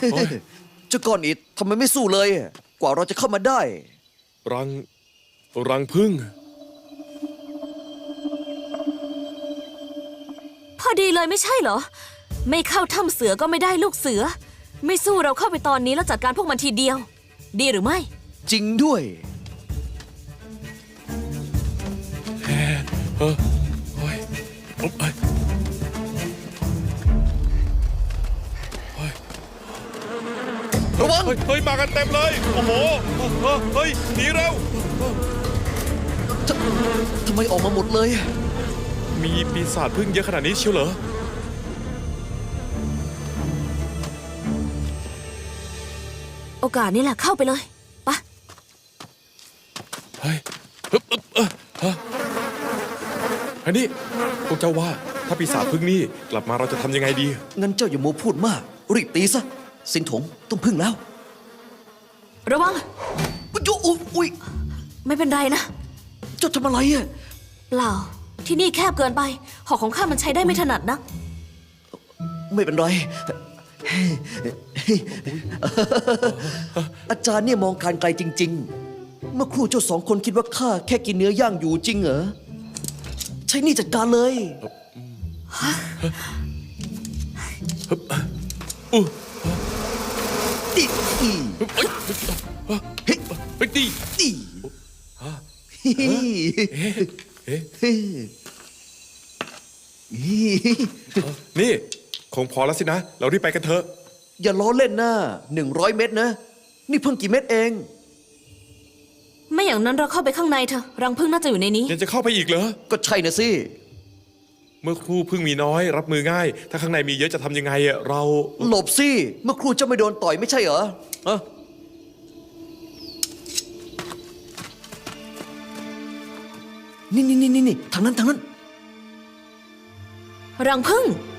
เจ้าก้อนอิฐทำไมไม่สู้เลย กว่าเราจะเข้ามาได้รังผึ้งพอดีเลยไม่ใช่เหรอ ไม่เข้าถ้ำเสือก็ไม่ได้ลูกเสือ ไม่สู้เราเข้าไปตอนนี้แล้วจัดการพวกมันทีเดียว ดีหรือไม่จริงด้วยโอ้ยโอ้ยระวังเฮ้ยมากันเต็มเลย โอ้โหเฮ้ยหนีเร็วทำไมออกมาหมดเลยมีปีศาจผึ้งเยอะขนาดนี้เชียวเหรอโอกาสนี้แหละเข้าไปเลยไปะเฮ้ยอันนี้พวกเจ้าว่าถ้าปีศาจผึ้งนี่กลับมาเราจะทำยังไงดีงั้นเจ้าอย่าโมวพูดมาก รีบตีซะ สินถงต้องพึ่งแล้วระวังอุ๊ยไม่เป็นไรนะเจ้าทำอะไรอ่ะเปล่า ที่นี่แคบเกินไป หอกของข้ามันใช้ได้ไม่ถนัดนะไม่เป็นไร อาจารย์เนี่ยมองการไกลจริง ๆ เมื่อครู่เจ้าสองคนคิดว่าข้าแค่กินเนื้อย่างอยู่จริงเหรอ ใช้นี่จัดการเลย ดิอีไปตีดินี่คงพอแล้วสินะ เรารีบไปกันเถอะอย่าล้อเล่นนะ100 เม็ดนะ นี่เพิ่งกี่เม็ดเองไม่อย่างนั้นเราเข้าไปข้างในเถอะ รังผึ้งน่าจะอยู่ในนี้ยังจะเข้าไปอีกเหรอก็ใช่นะสิเมื่อครู่พึ่งมีน้อยรับมือง่าย ถ้าข้างในมีเยอะจะทำยังไงอะเราหลบสิ เมื่อครูเจ้าไม่โดนต่อยไม่ใช่เหรอฮะนี่ทางนั้นรังผึ้ง